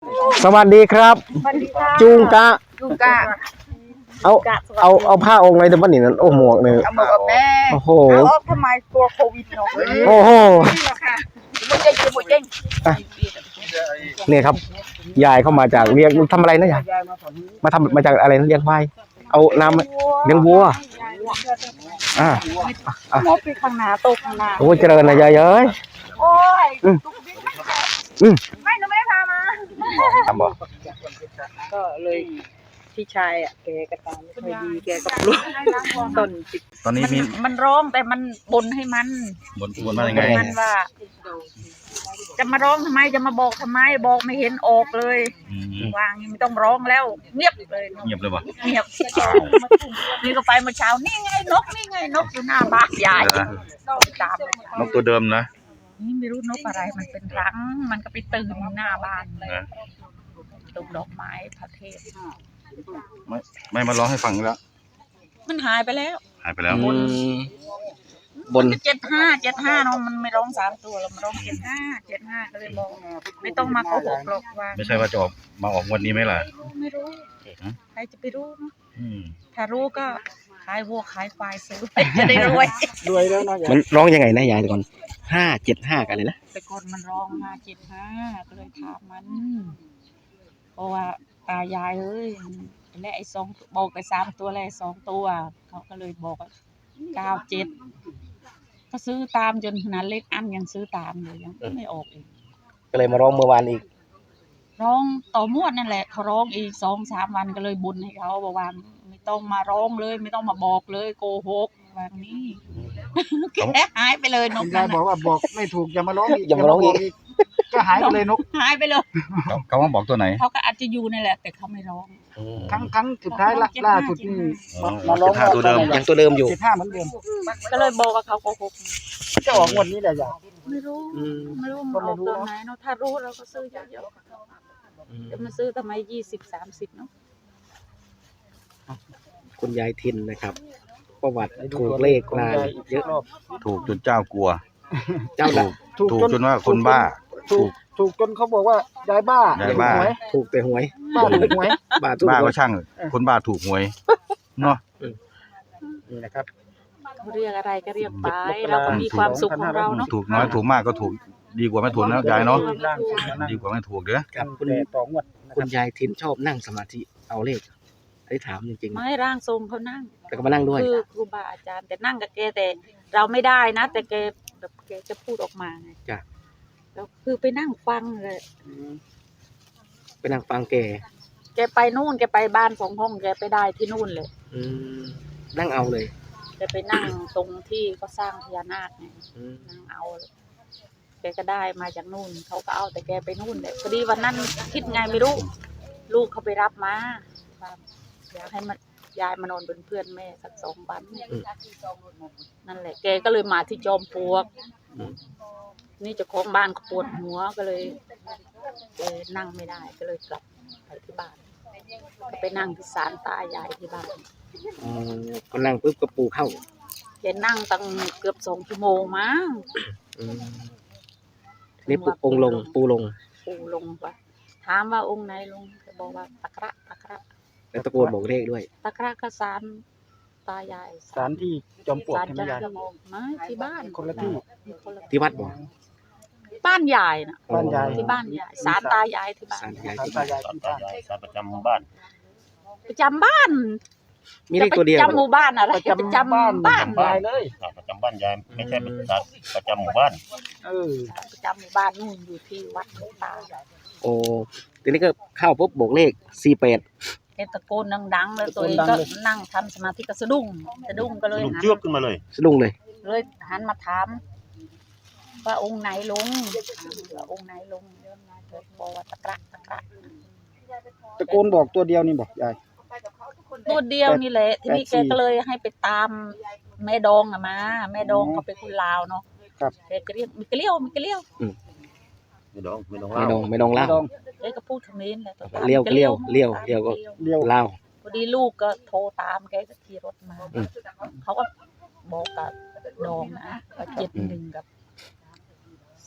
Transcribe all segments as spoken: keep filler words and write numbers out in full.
สวัสดีครับจุงกะจุงกะเอาเอาเอาผ้าองค์อะไรแต่บ้านนี่นั่นโอ้หมวกเนี่ยเอาหมวกกับแม่โอ้โหเอาทำไมกลัวโควิดเนาะโอ้โหหมดเจ๊งหมดเจ๊งนี่ครับยายเข้ามาจากเลี้ยงทำอะไรนะยายมาทำมาจากอะไรนะเลี้ยงควายเอาน้ำเลี้ยงวัวอ่าหมดไปข้างหน้าตกข้างหน้าโอ้เจริญนะยายเอ้ยโอ้ยอืมอืมไม่หนูไม่ได้พามาทำบ่ก็เลยพี่ชายอ่ะแกกระตาไม่ค่อยดีแกก็ปลุกต้นจิตตอนนี้มีมันร้องแต่มันบ่นให้มันบนบนว่ายังไงมันว่าจะมาร้องทำไมจะมาบอกทำไมบอกไม่เห็นออกเลยวางไม่ต้องร้องแล้วเงียบเลยเงียบเลยวะเงียบนี่ก็ไปเมื่อเช้านี่ไงนกนี่ไงนกอยู่หน้าบ้านยายตามนกตัวเดิมนะนี่ไม่รู้นกอะไรมันเป็นรังมันก็ไปตื่นหน้าบ้านเลยตรงดอกไม้พระเทพไม่ไม่มาร้องให้ฟังแล้วมันหายไปแล้วหายไปแล้วบนเจ็ดห้าเจ็ดห้าเนาะมันไม่ร้องสามตัวเรามาร้องเจ็ดห้าเจ็ดห้าก็เลยบอกไม่ต้องมาโกหกหรอกว่าไม่ใช่ว่าจะออกมาออกวันนี้ไหมล่ะไม่รู้ใครจะไปรู้เนาะถ้ารู้ก็ขายวัวขายควายซื้อไปจะได้รวยรวยแล้วเนาะมันร้องยังไงนะยายก่อนห้าเจ็ดห้ากันเลยนะแต่ก่อนมันร้องห้าเจ็ดห้าก็เลยถามมันเพราะว่าตายายเอ้ยและไอ้สองบอกไปสามตัวแล้วสองตัวเขาก็เลยบอกว่าเก้าเจ็ดก็ซื้อตามจนขนาดเล็กอันยังซื้อตามเลยยังไม่ออกอีกก็เลยมาร้องเมื่อวานอีกร้องต่อมวดนั่นแหละเขาร้องอีกสองสามวันก็เลยบุญให้เขาบอกว่าไม่ต้องมาร้องเลยไม่ต้องมาบอกเลยโกหกแบบนี้แกหายไปเลยนกยายบอกว่าบอกไม่ถูกอย่ามาร้องอีกอย่ามาร้องอีกก็หายไปเลยนกหายไปเลยเขาว่าบอกตัวไหนเขาก็อาจจะอยู่นั่นแหละแต่เขาไม่ร้องครั้งครั้งสุดท้ายล่าสุดนี่มาร้องตัวเดิมยังตัวเดิมอยู่เจ็ดห้าเหมือนเดิมก็เลยบอกกับเขาโกหกจะออกงวดนี้แหละยายไม่รู้ไม่รู้มันออกตัวไหนเนาะถ้ารู้เราก็ซื้อเยอะๆจะมาซื้อทำไมยี่สิบสามสิบเนาะคุณยายทินนะครับประวัติถูกเลขนานเยอะถูกจนเจ้ากลัวเจ้าถูกถูกจนว่าคนบ้าถูกถูกจนเขาบอกว่ายายบ้ายายบ้าถูกแต่หวยบ้าถูกหวยบ้าถูกบ้าก็ช่างคนบ้าถูกหวยเนาะนี่นะครับเรียกอะไรก็เรียกไปเราก็มีความสุขของเราเนาะถูกน้อยถูกมากก็ถูกดีกว่าไม่ถูกนะยายเนาะดีกว่าไม่ถูกเด้อครับคุณต่องวดคุณยายทินชอบนั่งสมาธิเอาเลขได้ถามจริงๆไม่ร่างทรงเขานั่งแต่ก็มานั่งด้วยคือครูบาอาจารย์แต่นั่งกับแกแต่เราไม่ได้นะแต่แกแบบแกจะพูดออกมาไงจ้ะแล้วคือไปนั่งฟังเลยไปนั่งฟังแกแกไปนู่นแกไปบ้านสองห้องแกไปได้ที่นู่นเลยนั่งเอาเลยแกไปนั่งตรงที่เขาสร้างพญานาคไงนั่งเอาแกก็ได้มาจากนู่นเขาก็เอาแต่แกไปนู่นเลยพอดีวันนั้นคิดไงไม่รู้ลูกเขาไปรับมาอยากให้มันยายมานอนเป็นเพื่อนแม่สักสองวันนั่นแหละแกก็เลยมาที่จอมปลวกนี่เจ้าของบ้านก็ปวดหัวก็เลยแกนั่งไม่ได้ก็เลยกลับไปที่บ้านไปนั่งที่ศาลตายายที่บ้านก็นั่งปุ๊บก็ปูเข้าแกนั่งตั้งเกือบสองชั่วโมงมั้งนี่ปูองลงปูลงปูลงปะถามว่าองค์ไหนลงแกบอกว่าตะกระตะกระแล้วตะโกนบอกเลขด้วยตะกร้ากระสานตายายสารที่จอมปลวกใช่ไหมยายไม่ที่บ้านคนละที่ที่วัดบ่บ้านยายนะบ้านยายที่บ้านยายสารตายายที่บ้านสารตายายที่บ้านสารประจำบ้านประจำบ้านมีเลขตัวเดียวประจำหมู่บ้านอะไรประจำบ้านบ้านยายเลยประจำบ้านยายไม่ใช่ประจำหมู่บ้านเออประจำหมู่บ้านนู่นอยู่ที่วัดหลวงตาโอ้ทีนี้ก็เข้าปุ๊บบอกเลขสี่แปดตะโกนดังๆเลยตัวเองก็นั่งทำสมาธิก็สะดุ้งสะดุ้งก็เลยหันเชือกขึ้นมาเลยสะดุ้งเลยเลยหันมาถามว่าองค์ไหนลงองค์ไหนลงเยอะนะบอกว่าตะกระตะกระตะโกนบอกตัวเดียวนี่บอกยายตัวเดียวนี่แหละทีนี้แกก็เลยให้ไปตามแม่ดองอะมาแม่ดองเขาเป็นคนลาวเนาะแกก็เรียกมิกเลี้ยวมิกเลี้ยวไม่ดองไม่ดองไม่ดองไม่ดองเล่าเอ้ก็พูดคำนี้แหละเลี้ยวเลี้ยวเลี้ยวเลี้ยวก็เลี้ยวเล่าพอดีลูกก็โทรตามแกก็ขี่รถมาเขาก็บอกกับดองนะว่าเจ็ดหนึ่งกับ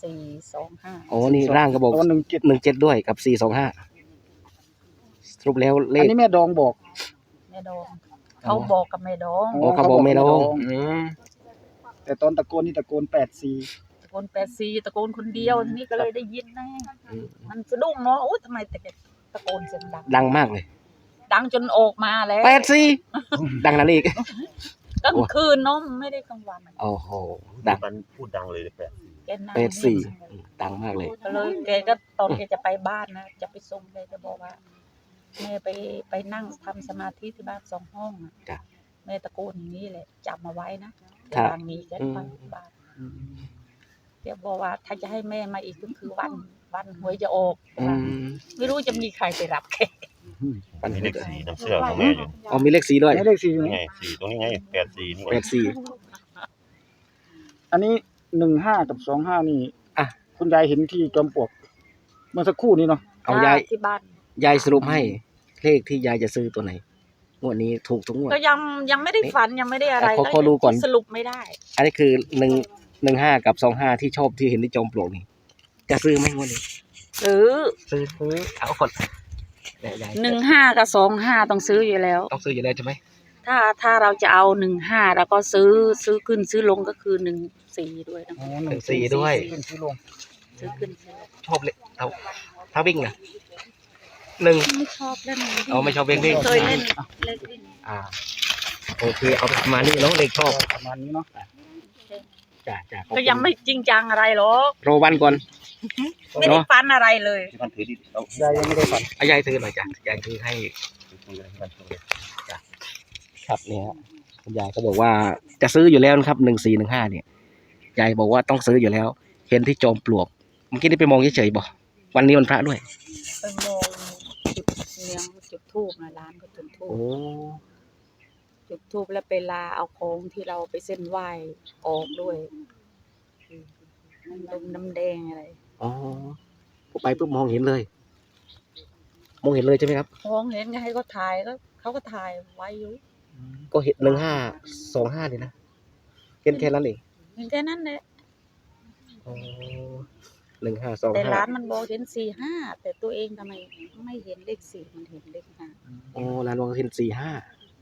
สี่สองห้าโอ้นี่ร่างก็บอกตัวหนึ่งเจ็ดหนึ่งเจ็ดด้วยกับสี่สองห้าสรุปแล้วเลอันขนี้แม่ดองบอกแม่ดองเขาบอกกับแม่ดองโอ้เขาบอกไม่ดองอืมแต่ตอนตะโกนนี่ตะโกนแปดสี่ตะโกนแปดซีตะโกนคนเดียวทีนี่ก็เลยได้ยินนะมันสะดุ้งเนาะโอ้ทำไมแต่ตะโกนเสียงดังดังมากเลยดังจนออกมาแล้วแปดสี่ดังนั้นอีกกลางคืนเนาะไม่ได้กลางวันโอ้โหดังมันพูดดังเลยแปดแกนั่งแปดสี่ดังมากเลยก็เลยแกก็ตอนแกจะไปบ้านนะจะไปส่งแกจะบอกว่าแม่ไปไปนั่งทำสมาธิที่บ้านสองห้องอะจ้ะแม่ตะโกนอย่างนี้แหละจับมาไว้นะครับทางนี้แกไปบ้านเดี๋ยวบอกว่าถ้าจะให้แม่มาอีกก็คือวันวันหวยจะออกอืมไม่รู้จะมีใครไปรับแกปันมีนี้เลขสี่น้ำเสื้อของแม่อยู่อ๋อมีเลขสีด้วยไม่เลขสี่นี่ไงสี่ตรงนี้ไงแปดสี่นี่แปดสี่อันนี้หนึ่งห้ากับสองห้านี่อ่ะคุณยายเห็นที่จอมปลวกเมื่อสักครู่นี้เนาะเอายายที่บ้านยายสรุปให้เลขที่ยายจะซื้อตัวไหนงวดนี้ถูกทุกงวดก็ยังยังไม่ได้ฝันยังไม่ได้อะไรขอขอดูก่อนสรุปไม่ได้อันนี้คือหนึ่งหนึ่งห้ากับสองห้าที่ชอบที่เห็นที่จอมปลวกนี่จะซื้อไหมงวดนี้ซื้อซื้อซื้อเอาคนยายยายหนึ่งห้ากับสองห้าต้องซื้ออยู่แล้วต้องซื้ออยู่แล้วใช่ไหมถ้าถ้าเราจะเอาหนึ่งห้าแล้วก็ซื้อซื้อขึ้นซื้อลงก็คือหนึ่งสี่ด้วยนะอ๋อหนึ่งสี่ด้วยขึ้นซื้อลงซื้อขึ้นซื้อลงชอบเลยเอาถ้าวิ่งนะหนึ่งไม่ชอบเล่นเอาไม่ชอบวิ่งวิ่งเคยเล่นเล่นวิ่งอ่าโอเคเอาประมาณนี้เนาะเลขชอบประมาณนี้เนาะจ้าจ้าขอบก็คุณยังไม่จริงจังอะไรหรอกรอวันก่อนไม่ได้ฟันอะไรเลยที่มันถือที่เอายายยังไม่ได้ฝันอายายซื้อหน่อยจ้ะยายซื้อให้ถือที่มันถือเลยครับเนี่ยฮะคุณยายก็บอกว่าจะซื้ออยู่แล้วนะครับหนึ่งสี่หนึ่งห้าเนี่ยยายบอกว่าต้องซื้ออยู่แล้ว เห็นที่จอมปลวกเมื่อกี้นี่ไปมองเฉยๆบอกวันนี้วันพระด้วยไปมองจุดเนียงจุดทูบนะร้านก็จุดทูบโอ้จุดทูบแล้วไปลาเอาของที่เราไปเส้นไหว้ออกด้วยน้ำดงน้ำแดงอะไรอ๋อผมไปปุ๊บมองเห็นเลย มองเห็นเลยใช่ไหมครับมองเห็นไงให้เขาถ่ายก็เขาก็ถ่ายไว้อยู่ก็เห็นหนึ่งห้าสองห้าเลยนะเห็นแค่นั้นเองเห็นแค่นั้นแหละอ๋อหนึ่งห้าสองแต่ห้าร้านมันบอกเห็นสี่ห้าแต่ตัวเองทำไมไม่เห็นเลขสี่มันเห็นเลขห้าอ๋อร้านมองเห็นสี่ห้า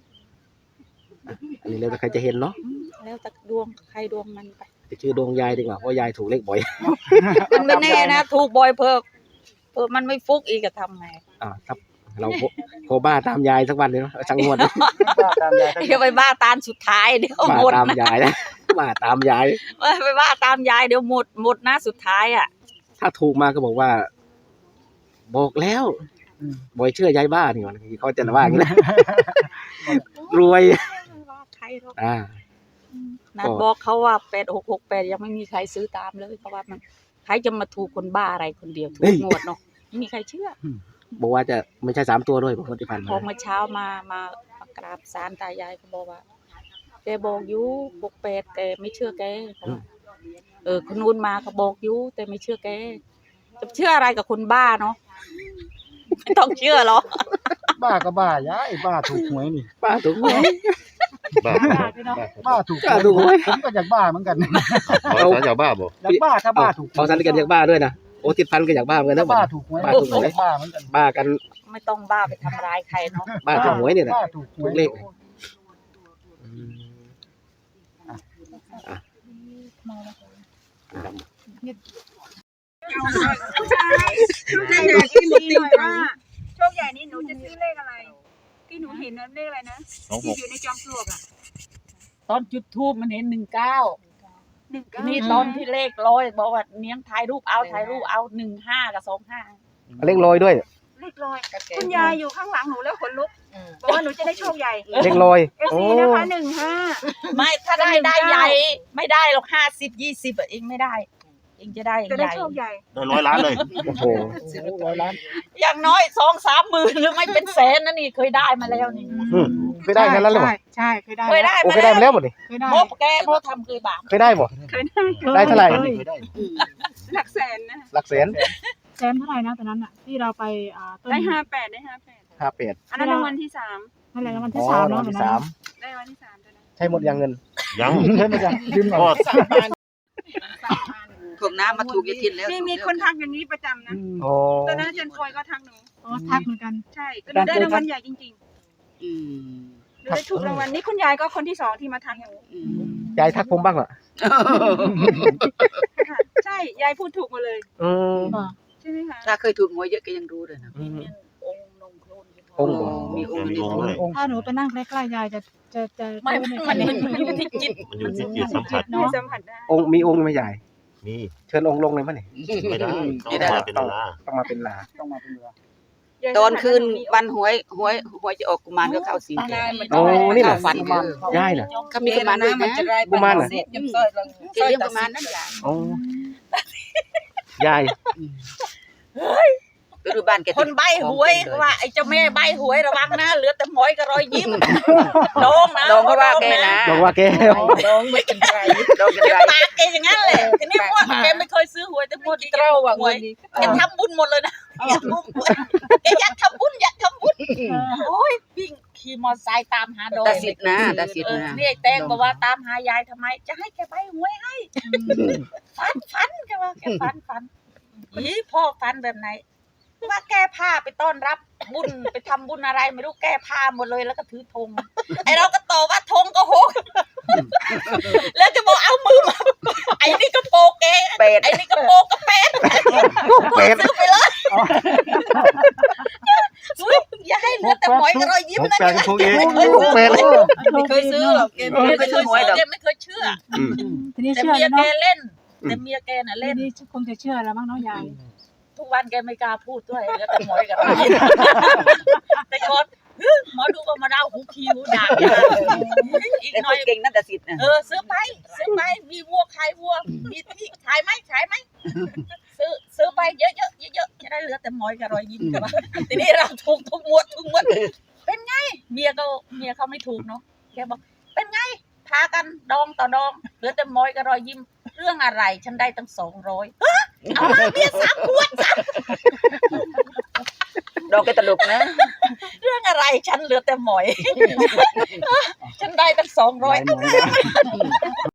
อันนี้แล้วแต่ใครจะเห็นเนาะอืมแล้วแต่ดวงใครดวงมันไปจะชื่อดวงยายดีกว่าเพราะยายถูกเลขบ่อยมันไม่แน่นะถูกบ่อยเพิ่มเพิ่มมันไม่ฟุกอีกจะทำไงอ่าครับเราโคโคบ้าตามยายสักวันเลยเนาะสักงวดนะป้าตามยายเดี๋ยวไปบ้าตามสุดท้ายเดี๋ยวบ้าหมดตามนะยายนะบ้าตามยายไปบ้าตามยายเดี๋ยวหมดหมดนะสุดท้ายอ่ะถ้าถูกมาก็บอกว่า บอกแล้วบอยเชื่อยายบ้านี่มันเขาจะว่าอย่างนี้นะรวยไม่ว่าใครหรอกอ่านัดบอกเขาว่าแปดหกหกแปดยังไม่มีใครซื้อตามเลยเพราะว่ามันใครจะมาถูกคนบ้าอะไรคนเดียวถูกงวดเนาะไม่มีใครเชื่อบอกว่าจะไม่ใช่สามตัวด้วยบอกว่าที่ผ่านพมาอเมื่อเช้ามามามากราบศาลตายายเขาบอกว่าแกบอกอยูหกแปดแต่ไม่เชื่อแกเขาว่าเออคนนู้นมาเขาบอกอยูแต่ไม่เชื่อแกจะเชื่ออะไรกับคนบ้าเนาะไม่ต้องเชื่อหรอกบ้าก็บ้ายายบ้าถูกหวยนี่ป้าถูกหวยบ้าบ้าถูกป้าถูกหวยผมก็อยากบ้าเหมือนกันขอสารยาบ้าบ่อยากบ้าถ้าบ้าถูกเอาสันติกันอยากบ้าด้วยนะโอ้ติดพันก็อยากบ้าเหมือนกันถ้านะบ้าถูกหวยบ้าถูกหวยบ้าเหมือนกันบ้ากันไม่ต้องบ้าไปทำร้ายใครเนาะบ้าถูกหวยเนี่ยนะบ้าถูกหวยถูกเลขที่หนูติดว่าโชคใหญ่นี่หนูจะซื้อเลขอะไร ที่หนูเห็นนั้นเลขอะไรนะสองหที่กอยู่ในจอมปลวกอ่ะตอนจุดทูบมันเห็นหนึ่งเก้าหนึ่งเก้านี่ตอนที่เลขร้อยบอกว่าเนี้ยงถ่ายรูปเอาถ่ายรูปเอาหนึ่งห้ากับสองห้าเลขลอยด้วยเลขลอยคุณยายอยู่ข้างหลังหนูแล้วขนลุกบอกว่าหนูจะได้โชคใหญ่เลขลอยเอฟโอ้ซีนะคะหนึ่งห้าไม่ถ้าได้ได้ใหญ่ไม่ได้หรอกห้าสิบยี่สิบเองไม่ได้ เองจะได้จะใหได้ญ่โชคใหญ่ได้ร้อยล้านเลยโอ้โหร้อยล้านอย่างน้อยสองสามหมื่นหรือไม่เป็นแสนนะนี่เคยได้มาแล้วนี่เคยได้แค่นั้นเลยบ่ใช่เคยได้เคยได้โอ้มาเคยได้มาแล้วหมดนี่เคยได้โมกแกโมทำเคยบาปเคยได้บ่เคยได้ได้เท่าไหร่เคยได้หลักแสนนะหลักแสนแสนเท่าไหร่นะตอนนั้นอะที่เราไปอ่าต้นได้ห้าแปดได้ห้าแปดห้าแปดอันนั้นรางวัลที่สามนั่นแหละรางวัลอ๋ที่อสามรางวัเนาะลที่วันนั้นสามได้รางวัลที่สามตัวนั้นใช่หมดยังเงินยังใช่ไหมจ๊ะยืมหน่ก็อยคพวกน้ำมาถูกยายทินแล้วมีมีคนทักอย่างนี้ประจำนะโอ้ตอนนั้นอาจารย์คอยก็ทักหนูอ๋อทักเหมือนกันใช่ก็หนูได้รางวัลใหญ่จริงอืมๆหนูได้ถูกรางวัลนี่คุณยายก็คนที่สองที่มาทักหนูอืมยายทักผมบ้างเหรอค่ะใช่ยายพูดถูกมาเลยอืมใช่ไหมคะถ้าเคยถูกหวยเยอะก็ยังรู้เลยนะอืมองค์นงโคลนองค์บ่มีองค์มีนี้องค์ด้วยถ้าหนูไปนั่งใกล้ๆยายจะจะจะไม่รู้มันเนี่ยมันมันอยู่ที่จิตมันอยู่ที่จิตสัมผัสหนูสัมผัสได้องค์มีองค์ไหม่ใหญ่มีเชิญองค์ลงเลยมั้ยนี่ไม่ได้ต้องมาเป็นเวลาต้องมาเป็นลาต้องมาเป็นเรือตอนคืนวันหวยหวยหวยจะออกกุมารก็เข้าสิงแกโอ้นี่เหรอเข้าฝันเออยายเหรอเขามีกุมารด้วยนะกุมารเหรอแกเลี้ยงกุมารนั่นอย่างโอ้ยายไปดูบ้านแกคนใบหวยว่าไอ้เจ้าแม่ใบหวยระวังนะเหลือแต่หมอยกับรอยยิ้มโดงนะดองก็ว่าแกนะบอกว่าแกโดงไม่เป็นไรดองกันไรปากแกอย่างนั้นแหละทีนี้ว่าแกไม่เคยซื้อหวยแต่พูดเต้าหวยแกทำบุญหมดเลยนะแกอยากทำบุญอยากทำบุญโอ้ยวิ่งขี่มอเตอร์ไซค์ตามหาโดงตาสิทธ์นะตาสิทเอธ์อนะนี่ไอ้แตงบอกว่าตามหายายทำไม จะให้แกใบหวยให้ฟันฟันแกว่าแกฟันฟันอีพ่อฟันแบบไหนว่าแก้ผ้าไปต้อนรับบุญไปทำบุญอะไรไม่รู้แก้ผ้าหมดเลยแล้วก็ถือธงไอเราก็ตอบว่าธงก็หกแล้วจะบอกเอามือมาไอ้นี่ก็โปกเองเป็ดไอ้นี่ก็โปกก็เป็ดเป็ดซื้อไปเลยอุ๊ยอย่าให้เหลือแต่หมอยกับรอยยิ้มผมนะแปลงถูกเองเป็ดไม่เคยซื้อหรอกแกไม่ไม่เคเคยยซื้อหวยหรอกซื้อไม่เคยเชื่ออืมทีนี้แต่เชื่อเมียแล้วแกเนาะเล่นแต่เมียแกน่ะทีเล่นนี้คงจะเชื่อแล้วมั้งเนาะยายทุกวันแกไม่กล้าพูดด้วยแล้วแต่หมอยกับรอยยิ้มแต่ก่อนฮึหมอดูก็มาเล่าหูคิวด่าอีกแต่หน่อยเก่งนั่นตาสิทธ์นะเออซื้อไปซื้อไปมีวัวขายวัวมีที่ขายไหมขายไหมซื้อซื้อไปเยอะๆเยอะๆจะได้เหลือแต่หมอยกับรอยยิ้มกันทีนี้เราถูกทุกงวดทุกงวดเป็นไงเมียก็เมียเขาไม่ถูกเนาะแกบอกเป็นไงพากันดองต่อดองเหลือแต่หมอยกับรอยยิ้มเรื่องอะไรฉันได้ตั้งสองร้อยเอามาเบียร์สามขวดสามดองแกตลกนะเรื่องอะไรฉันเหลือแต่หมอย ฉันได้ตั้งสองร้อยหลายหน่วย